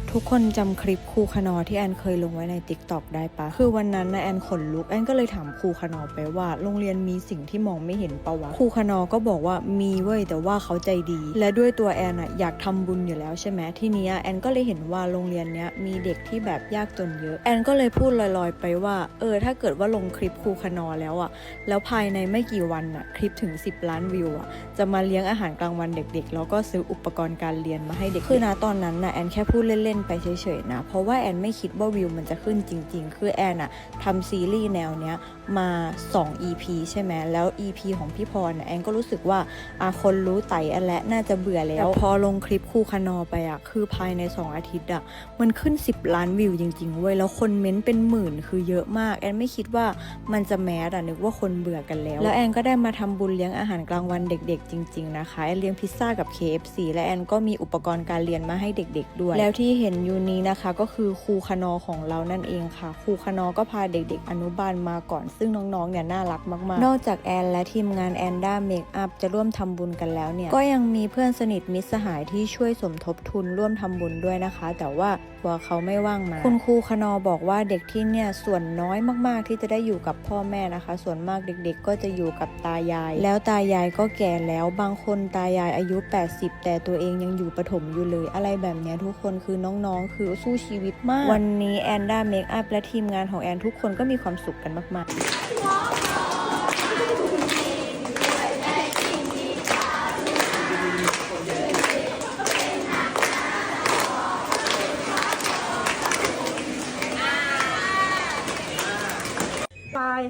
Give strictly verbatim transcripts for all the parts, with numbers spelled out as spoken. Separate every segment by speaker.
Speaker 1: ทุกคนจำคลิปครูคานอที่แอนเคยลงไว้ใน ติ๊กต็อก ได้ปะคือวันนั้นนะแอนขนลุกแอนก็เลยถามครูคานอไปว่าโรงเรียนมีสิ่งที่มองไม่เห็นปะวะครูคานอก็บอกว่ามีเว้ยแต่ว่าเขาใจดีและด้วยตัวแอนอะอยากทำบุญอยู่แล้วใช่ไหมทีนี้แอนก็เลยเห็นว่าโรงเรียนเนี้ยมีเด็กที่แบบยากจนเยอะแอนก็เลยพูดลอยๆไปว่าเออถ้าเกิดว่าลงคลิปครูคานอแล้วอะแล้วภายในไม่กี่วันอะคลิปถึงสิบล้านวิวอะจะมาเลี้ยงอาหารกลางวันเด็กๆแล้วก็ซื้ออุปกรณ์การเรียนมาให้เด็กคือนะตอนนั้นนะแอนแค่พูดเล่นๆไปเฉยๆนะเพราะว่าแอนไม่คิดว่าวิวมันจะขึ้นจริงๆคือแอนอะทำซีรีส์แนวเนี้ยมาสอง อี พี ใช่ไหมแล้ว อี พี ของพี่พรแอนก็รู้สึกว่าอาคนรู้ไต่อันและน่าจะเบื่อแล้วพอลงคลิปครูคานอไปอะคือภายในสองอาทิตย์อะมันขึ้นสิบล้านวิวจริงๆเว้ยแล้วคนเม้นเป็นหมื่นคือเยอะมากแอนไม่คิดว่ามันจะแมสอะนึกว่าคนเบื่อกันแล้วแล้วแอนก็ได้มาทำบุญเลี้ยงอาหารกลางวันเด็กๆจริงๆนะคะแอนเลี้ยงพิซซ่ากับ เค เอฟ ซี และแอนก็มีอุปกรณ์การเรียนมาให้เด็กๆด้วยแล้วที่เห็นอยู่นี้นะคะก็คือครูคานอของเรานั่นเองค่ะครูคานอก็พาเด็กๆอนุบาลมาก่อนซึ่งน้องๆเนี่ยน่ารักมากๆนอกจากแอนและทีมงานแอนด้าเมคอัพจะร่วมทำบุญกันแล้วเนี่ยก็ยังมีเพื่อนสนิทมิตรสหายที่ช่วยสมทบทุนร่วมทำบุญด้วยนะคะแต่ว่าตัวเขาไม่ว่างมาคุณครูคานอบอกว่าเด็กที่เนี่ยส่วนน้อยมากๆที่จะได้อยู่กับพ่อแม่นะคะส่วนมากเด็กๆก็จะอยู่กับตายายแล้วตายายก็แก่แล้วบางคนตายายอายุแปดสิบแต่ตัวเองยังอยู่ประถมอยู่เลยอะไรแบบนี้ทุกคนคือน้องๆคือสู้ชีวิตมากวันนี้แอนด้าเมคอัพและทีมงานของแอนทุกคนก็มีความสุขกันมากๆ
Speaker 2: ตาย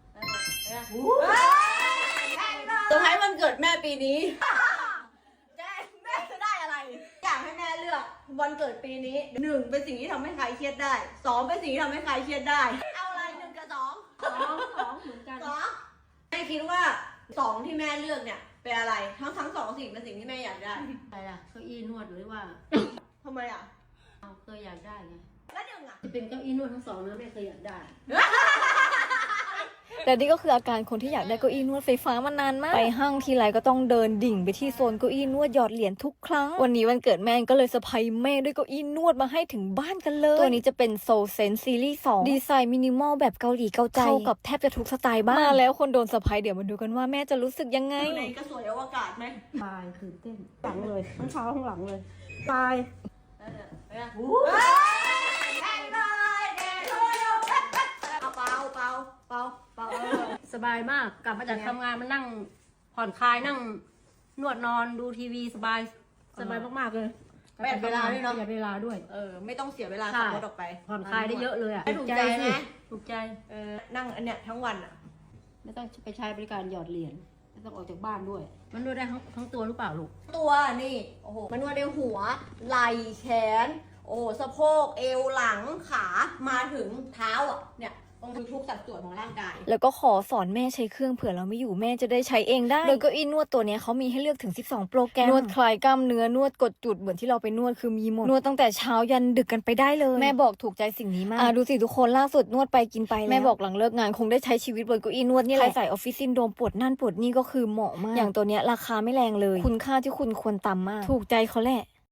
Speaker 2: เซอร์ไพรส์วันเกิดแม่ปีนี้แจ้แม่จะได้อะไร อยากให้แม่เลือกวันเกิดปีนี้หนึ่งเป็นสิ่งที่ทำให้ใครเครียดได้สองเป็นสิ่งที่ทำให้ใครเครียดได้ เอาอะไรหนึ่งกับสองสองสองเหมือนกันสองแม่คิดว่าสองที่แม่เลือกเนี่ยเป็นอะไรทั้งทั้งสองสิ่งเป็นสิ่งที่แม่อยากได้
Speaker 3: อะไรล่ะเก้าอี้นวดหรือว่า
Speaker 2: ทำไมอ่ะ
Speaker 3: เอาเคยอยากได้ไง
Speaker 2: แล้วหนึ่งอ่ะ
Speaker 3: จะเป็นเก้าอี้นวดทั้งสองนะไม่เคยอยากได้
Speaker 1: แต่นี่ก็คืออาการคนที่อยากได้เก้าอี้นวดไฟฟ้ามานานมากไปห้างทีไรก็ต้องเดินดิ่งไปที่โซนเก้าอี้นวดหยอดเหรียญทุกครั้งวันนี้วันเกิดแม่ก็เลยเซอร์ไพรส์แม่ด้วยเก้าอี้นวดมาให้ถึงบ้านกันเลยตัวนี้จะเป็น Soul Sense Series สองดีไซน์มินิมอลแบบเกาหลีเกาใจเข้ากับแทบจะทุกสไตล์บ้านมาแล้วคนโดนเซอร์ไพรส์เดี๋ยวมาดูกันว่าแม่จะรู้สึกยังไง
Speaker 2: ในกระสวยอวกาศไหม
Speaker 3: ตายตื่นเต้นหลังเลยทั้งเท้าทั้งหลังเลย
Speaker 2: ตายเอาเปล่าเปล่าเปล่าเปล่า
Speaker 3: สบายมากกลับมาจากทำงานมานั่งผ่อนคลายนั่งนวดนอนดูทีวีสบายสบายมากๆเลย
Speaker 2: ประหยัดเวลาด้วยเนาะ
Speaker 3: ประหยัดเวลาด้วย
Speaker 2: เออไม่ต้องเสียเวลา
Speaker 3: ใช่
Speaker 2: ขับรถออกไป
Speaker 3: ผ่อนคลายได้เยอะเลยอ่ะ
Speaker 2: ถูกใจไหม
Speaker 3: ถูกใจ
Speaker 2: เออนั่งอันเนี้ยทั้งวันอ่ะ
Speaker 3: ไม่ต้องไปใช้บริการหยอดเหรียญไม่ต้องออกจากบ้านด้วย มันนวดได้ทั้งทั้งตัวหรือเปล่าลูก
Speaker 2: ตัวนี่โอ้โหมันนวดในหัวไหล่แขนโอ้สะโพกเอวหลังขามาถึงเท้าอ่ะเนี่ยตรงทุกสัดส่วนของร่างกาย
Speaker 1: แล้วก็ขอสอนแม่ใช้เครื่องเผื่อเราไม่อยู่แม่จะได้ใช้เองได้โดยเก้าอี้นวดตัวนี้เขามีให้เลือกถึงสิบสองโปรแกรมนวดคลายกล้ามเนื้อนวดกดจุดเหมือนที่เราไปนวดคือมีหมดนวดตั้งแต่เช้ายันดึกกันไปได้เลยแม่บอกถูกใจสิ่งนี้มากอ่ะดูสิทุกคนล่าสุดนวดไปกินไปแม่บอกหลังเลิกงานคงได้ใช้ชีวิตบนเก้าอี้นวดนี่แหละใครใส่ออฟฟิศซินโดรมปวดนั่นปวดนี่ก็คือเหมาะมากอย่างตัวเนี้ยราคาไม่แรงเลยคุณค่าที่คุณควรตามมากถูกใจเขาแหละ